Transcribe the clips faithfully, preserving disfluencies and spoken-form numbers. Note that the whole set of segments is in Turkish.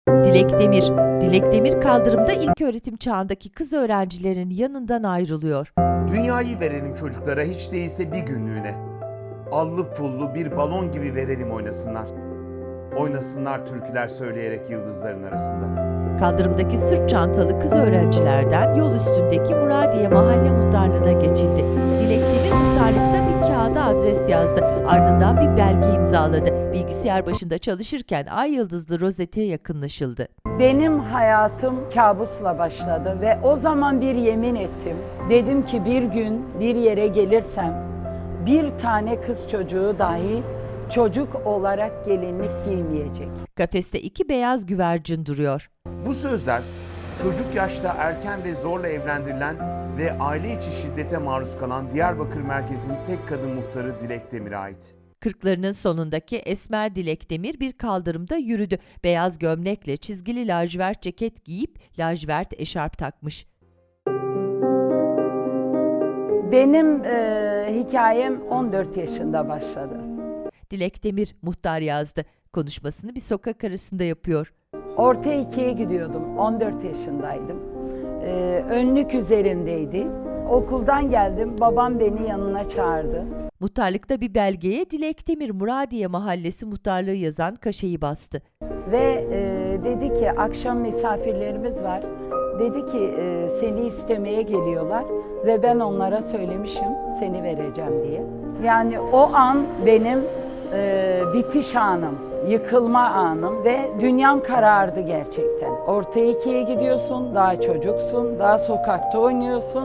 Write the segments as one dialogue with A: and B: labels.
A: Dilek Demir, Dilek Demir kaldırımda ilköğretim çağındaki kız öğrencilerin yanından ayrılıyor.
B: Dünyayı verelim çocuklara hiç değilse bir günlüğüne. Allı pullu bir balon gibi verelim oynasınlar. Oynasınlar türküler söyleyerek yıldızların arasında.
A: Kaldırımdaki sırt çantalı kız öğrencilerden yol üstündeki Muradiye Mahalle Muhtarlığı'na geçildi. Dilek Demir muhtarlıkta bir kağıda adres yazdı. Ardından bir belge imzaladı. Bilgisayar başında çalışırken ay yıldızlı rozete yakınlaşıldı.
C: Benim hayatım kabusla başladı ve o zaman bir yemin ettim. Dedim ki bir gün bir yere gelirsem bir tane kız çocuğu dahi çocuk olarak gelinlik giymeyecek.
A: Kafeste iki beyaz güvercin duruyor.
B: Bu sözler çocuk yaşta erken ve zorla evlendirilen ve aile içi şiddete maruz kalan Diyarbakır merkezin tek kadın muhtarı Dilek Demir'e ait.
A: Kırklarının sonundaki esmer Dilek Demir bir kaldırımda yürüdü. Beyaz gömlekle çizgili lacivert ceket giyip lacivert eşarp takmış.
C: Benim e, hikayem on dört yaşında başladı.
A: Dilek Demir muhtar yazdı. Konuşmasını bir sokak arasında yapıyor.
C: Orta ikiye gidiyordum, on dört yaşındaydım. E, önlük üzerimdeydi. Okuldan geldim, babam beni yanına çağırdı.
A: Muhtarlıkta bir belgeye Dilek Demir Muradiye Mahallesi muhtarlığı yazan kaşeyi bastı.
C: Ve e, dedi ki akşam misafirlerimiz var. Dedi ki e, seni istemeye geliyorlar ve ben onlara söylemişim seni vereceğim diye. Yani o an benim e, bitiş anım, yıkılma anım ve dünyam karardı gerçekten. Orta ikiye gidiyorsun, daha çocuksun, daha sokakta oynuyorsun.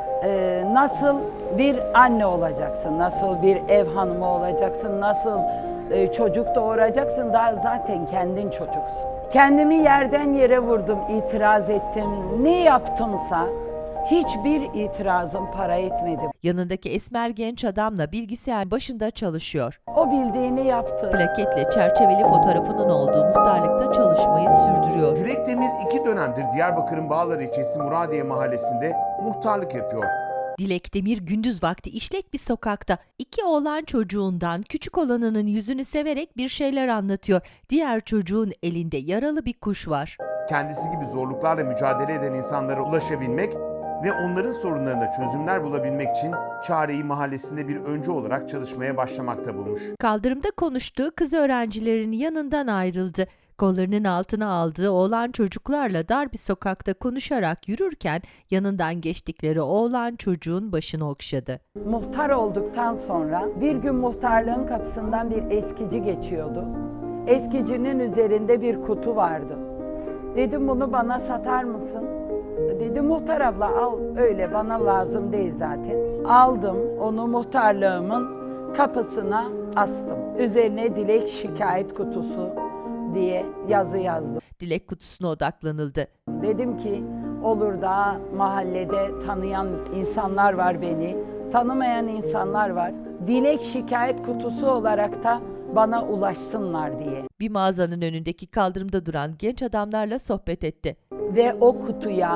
C: E, nasıl bir anne olacaksın, nasıl bir ev hanımı olacaksın, nasıl e, çocuk doğuracaksın, daha zaten kendin çocuksun. Kendimi yerden yere vurdum, itiraz ettim. Ne yaptımsa hiçbir itirazım para etmedi.
A: Yanındaki esmer genç adamla bilgisayar başında çalışıyor.
C: O bildiğini yaptı.
A: Plaketle çerçeveli fotoğrafının olduğu muhtarlıkta çalışmayı sürdürüyor.
B: Dilek Demir iki dönemdir Diyarbakır'ın Bağlar ilçesi Muradiye mahallesinde muhtarlık yapıyor.
A: Dilek Demir gündüz vakti işlek bir sokakta iki oğlan çocuğundan küçük olanının yüzünü severek bir şeyler anlatıyor. Diğer çocuğun elinde yaralı bir kuş var.
B: Kendisi gibi zorluklarla mücadele eden insanlara ulaşabilmek ve onların sorunlarına çözümler bulabilmek için çareyi mahallesinde bir öncü olarak çalışmaya başlamakta bulmuş.
A: Kaldırımda konuştuğu kız öğrencilerin yanından ayrıldı. Kollarının altına aldığı oğlan çocuklarla dar bir sokakta konuşarak yürürken yanından geçtikleri oğlan çocuğun başını okşadı.
C: Muhtar olduktan sonra bir gün muhtarlığın kapısından bir eskici geçiyordu. Eskicinin üzerinde bir kutu vardı. Dedim bunu bana satar mısın? Dedi muhtar abla al öyle bana lazım değil zaten. Aldım onu muhtarlığımın kapısına astım. Üzerine dilek şikayet kutusu diye yazı yazdım.
A: Dilek kutusuna odaklanıldı.
C: Dedim ki olur da mahallede tanıyan insanlar var beni, tanımayan insanlar var. Dilek şikayet kutusu olarak da bana ulaşsınlar diye.
A: Bir mağazanın önündeki kaldırımda duran genç adamlarla sohbet etti.
C: Ve o kutuya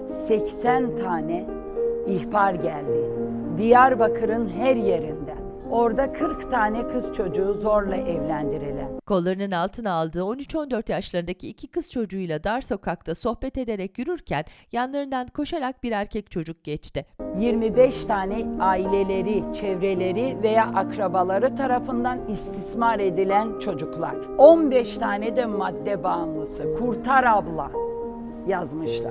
C: seksen tane ihbar geldi. Diyarbakır'ın her yerinden. Orada kırk tane kız çocuğu zorla evlendirilen.
A: Kollarının altına aldığı on üç on dört yaşlarındaki iki kız çocuğuyla dar sokakta sohbet ederek yürürken yanlarından koşarak bir erkek çocuk geçti.
C: yirmi beş tane aileleri, çevreleri veya akrabaları tarafından istismar edilen çocuklar. on beş tane de madde bağımlısı, kurtar abla yazmışlar.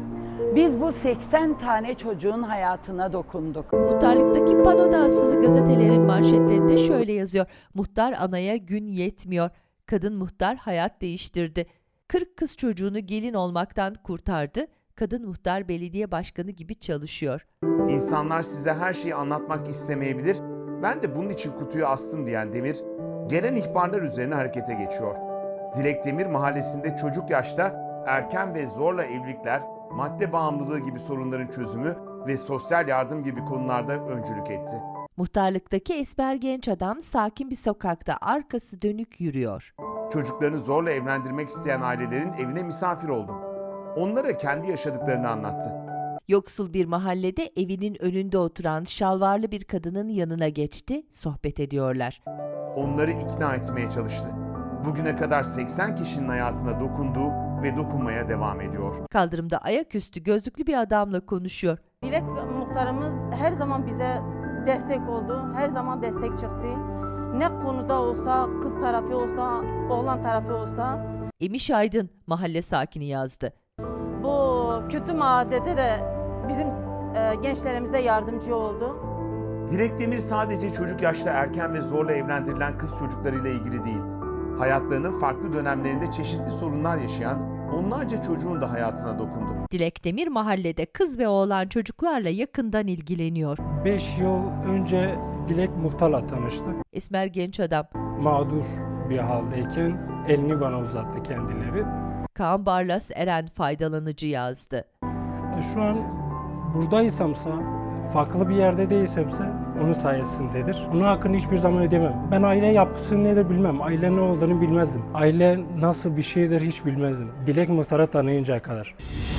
C: Biz bu seksen tane çocuğun hayatına dokunduk.
A: Muhtarlıktaki panoda asılı gazetelerin manşetlerinde şöyle yazıyor. Muhtar anaya gün yetmiyor. Kadın muhtar hayat değiştirdi. kırk kız çocuğunu gelin olmaktan kurtardı. Kadın muhtar belediye başkanı gibi çalışıyor.
B: İnsanlar size her şeyi anlatmak istemeyebilir. Ben de bunun için kutuyu astım diyen Demir, gelen ihbarlar üzerine harekete geçiyor. Dilek Demir mahallesinde çocuk yaşta erken ve zorla evlilikler, madde bağımlılığı gibi sorunların çözümü ve sosyal yardım gibi konularda öncülük etti.
A: Muhtarlıktaki esmer genç adam sakin bir sokakta arkası dönük yürüyor.
B: Çocuklarını zorla evlendirmek isteyen ailelerin evine misafir oldu. Onlara kendi yaşadıklarını anlattı.
A: Yoksul bir mahallede evinin önünde oturan şalvarlı bir kadının yanına geçti, sohbet ediyorlar.
B: Onları ikna etmeye çalıştı. Bugüne kadar seksen kişinin hayatına dokundu ve dokunmaya devam ediyor.
A: Kaldırımda ayaküstü gözlüklü bir adamla konuşuyor.
D: Dilek muhtarımız her zaman bize destek oldu, her zaman destek çıktı. Ne konuda olsa, kız tarafı olsa, oğlan tarafı olsa.
A: Emiş Aydın mahalle sakini yazdı.
D: Bu kötü maddede de bizim e, gençlerimize yardımcı oldu.
B: Dilek Demir sadece çocuk yaşta erken ve zorla evlendirilen kız çocuklarıyla ilgili değil. Hayatlarının farklı dönemlerinde çeşitli sorunlar yaşayan onlarca çocuğun da hayatına dokundu.
A: Dilek Demir mahallede kız ve oğlan çocuklarla yakından ilgileniyor.
E: beş yıl önce Dilek Muhtar'la tanıştık.
A: Esmer genç adam.
E: Mağdur bir haldeyken elini bana uzattı kendileri.
A: Kaan Barlas Eren faydalanıcı yazdı.
E: E, Şu an buradaysamsa, farklı bir yerde değilsemse onun sayesindedir. Onun hakkını hiçbir zaman ödemem. Ben aile yapısı nedir bilmem. Aile ne olduğunu bilmezdim. Aile nasıl bir şeydir hiç bilmezdim. Dilek Muhtar'ı tanıyıncaya kadar.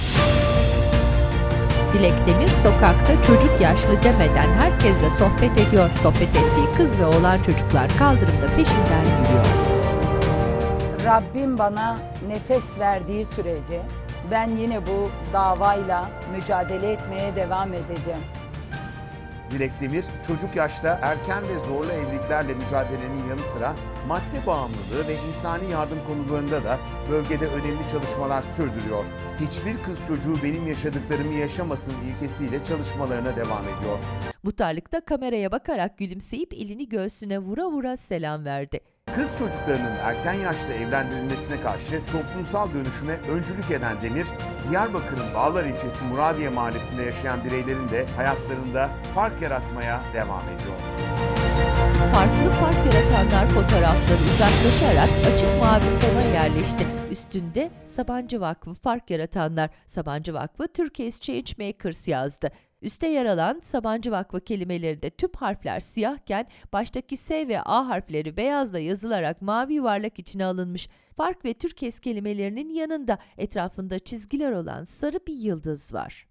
A: Dilek Demir sokakta çocuk yaşlı demeden herkesle sohbet ediyor. Sohbet ettiği kız ve oğlan çocuklar kaldırımda peşinden yürüyor.
C: Rabbim bana nefes verdiği sürece ben yine bu davayla mücadele etmeye devam edeceğim.
B: Dilek Demir, çocuk yaşta erken ve zorlu evliliklerle mücadelenin yanı sıra madde bağımlılığı ve insani yardım konularında da bölgede önemli çalışmalar sürdürüyor. Hiçbir kız çocuğu benim yaşadıklarımı yaşamasın ilkesiyle çalışmalarına devam ediyor.
A: Muhtarlıkta kameraya bakarak gülümseyip elini göğsüne vura vura selam verdi.
B: Kız çocuklarının erken yaşta evlendirilmesine karşı toplumsal dönüşüme öncülük eden Demir, Diyarbakır'ın Bağlar ilçesi Muradiye mahallesinde yaşayan bireylerin de hayatlarında fark yaratmaya devam ediyor.
A: Farklı fark yaratanlar fotoğrafları uzaklaşarak açık mavi fona yerleşti. Üstünde Sabancı Vakfı Fark Yaratanlar, Sabancı Vakfı Turkish Changemakers yazdı. Üste yer alan Sabancı Vakfı kelimelerinde tüm harfler siyahken baştaki S ve A harfleri beyazla yazılarak mavi yuvarlak içine alınmış. Fark ve Türkes kelimelerinin yanında etrafında çizgiler olan sarı bir yıldız var.